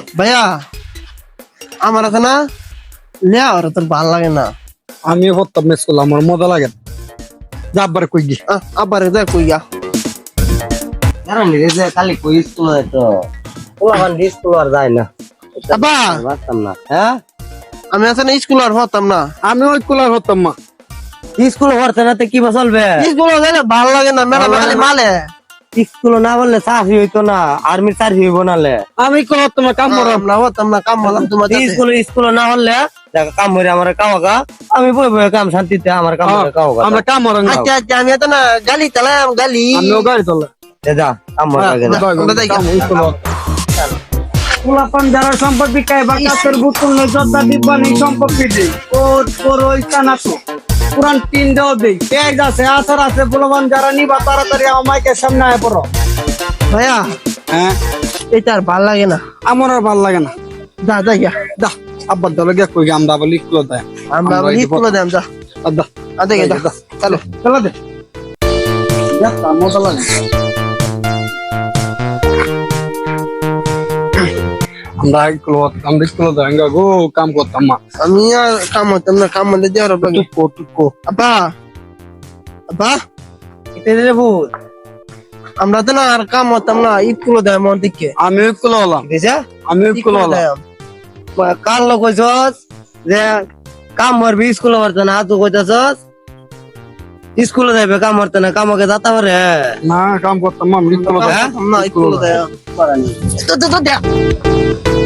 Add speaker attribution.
Speaker 1: ভাইয়া আমার আছে না লেয়া ওরা তোর ভাল লাগে না।
Speaker 2: আমি হত্যা মিস করলাম, আমার মজা লাগে না। যা আব্বার কই গি।
Speaker 1: আবার দেখ কইয়া
Speaker 3: কারণ রেজে খালি কই স্কুল হয় তো ওলান স্কুল আর যায় না
Speaker 1: আব্বা
Speaker 3: বাসতাম না। হ্যাঁ
Speaker 1: আমি আছে না স্কুল আর হতাম না।
Speaker 2: আমি ওই কুলার হতাম মা।
Speaker 3: স্কুল হরতে না কি বা চলবে?
Speaker 1: স্কুল যাইলে ভাল লাগে না, মেলা খালি মালে।
Speaker 3: স্কুল না বললে চাকরি হইতো না, আর্মির চাকরি হইব নালে।
Speaker 2: আমি কো হতাম না, কাম করব
Speaker 1: না হতাম না, কাম বললাম তোমার
Speaker 3: স্কুল না হলে দেখো কাম হইরে আমার কামাকা, আমি বই বই কাম শান্তিতে আমার কাম করে কামাকা।
Speaker 2: আমরা কাম করব না।
Speaker 1: আচ্ছা আচ্ছা আমি তো না গালি চালাম গালি।
Speaker 2: আমিও গাড়ি চলে
Speaker 3: যা কাম করে যা।
Speaker 4: পোলাপান যারা সম্পদ বিকায় বা কাছের বোতল নয় জর্দা ডিব্বা নেই সম্পত্তি দেই ওর তোর ওই কানাতো পুরান টিন দেও দেই পেঁয়াজ আছে আচার আছে পোলাপান যারা নিবা তাড়াতাড়ি আমার মাইকের সামনে আয় পড়ো।
Speaker 1: ভাইয়া
Speaker 2: হ্যাঁ
Speaker 1: এটা আর ভাল লাগে না।
Speaker 2: আমার আর ভালো লাগে না।
Speaker 1: যা যা গিয়া
Speaker 2: দা আব্বার দলে গিয়ে কই আমরা আবার লিখলো দেয়।
Speaker 1: আমরা স্কুল দেম যা
Speaker 2: আদা
Speaker 1: আদে গে যা চলো
Speaker 2: চলা দে। যা মজা লাগে। আমরা স্কুল যাঙ্গা গো কাম করতাম মা।
Speaker 1: আমি আর কাম হতাম না, কাম মধ্যে দেওয়ার
Speaker 2: টুকো
Speaker 1: আব্বা আব্বা
Speaker 3: এটা রে ভূত
Speaker 1: আমরা তো না আর কাম হতাম না, স্কুল দেয় মন দিকে
Speaker 2: আমি স্কুল হলাম।
Speaker 3: বুঝা
Speaker 2: আমি স্কুল হলাম।
Speaker 3: কাল লোক কইছস যে কাম মারবি স্কুল হরতে না, তুই কইতাছস স্কুলে যাইবে কাম হরতে না, কামকে যাতা পারে।
Speaker 2: না কাম করতাম মা, আমি স্কুল
Speaker 1: না স্কুল দেয় তো